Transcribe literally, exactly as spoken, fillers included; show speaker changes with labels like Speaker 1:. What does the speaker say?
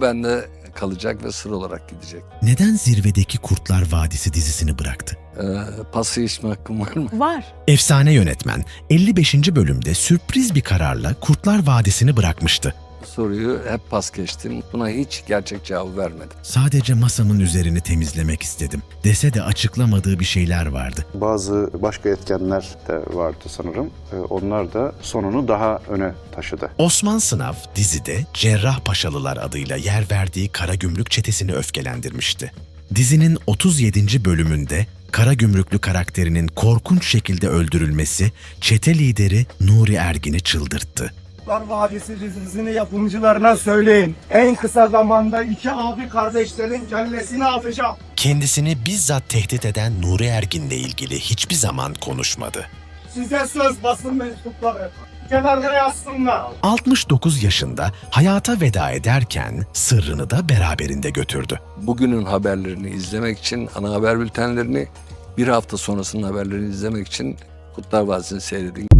Speaker 1: bende kalacak ve sır olarak gidecek.
Speaker 2: Neden Zirvedeki Kurtlar Vadisi dizisini bıraktı?
Speaker 1: Ee, pası içme hakkım var mı?
Speaker 3: Var.
Speaker 2: Efsane yönetmen elli beşinci bölümde sürpriz bir kararla Kurtlar Vadisi'ni bırakmıştı.
Speaker 1: Bu soruyu hep pas geçtim. Buna hiç gerçek cevabı vermedim.
Speaker 2: Sadece masamın üzerini temizlemek istedim dese de açıklamadığı bir şeyler vardı.
Speaker 4: Bazı başka etkenler de vardı sanırım. Ee, Onlar da sonunu daha öne taşıdı.
Speaker 2: Osman Sınav dizide Cerrahpaşalılar adıyla yer verdiği Karagümrük çetesini öfkelendirmişti. Dizinin otuz yedinci bölümünde Karagümrüklü karakterinin korkunç şekilde öldürülmesi çete lideri Nuri Ergin'i çıldırttı.
Speaker 5: Kurtlar Vadisi dizisini yapımcılarına söyleyin. En kısa zamanda iki abi kardeşlerin kellesini atacağım.
Speaker 2: Kendisini bizzat tehdit eden Nuri Ergin'le ilgili hiçbir zaman konuşmadı.
Speaker 5: Size söz basın mensupları. Kenarda yazsınlar.
Speaker 2: altmış dokuz yaşında hayata veda ederken sırrını da beraberinde götürdü.
Speaker 1: Bugünün haberlerini izlemek için, ana haber bültenlerini, bir hafta sonrasının haberlerini izlemek için Kurtlar Vadisi'ni seyredin.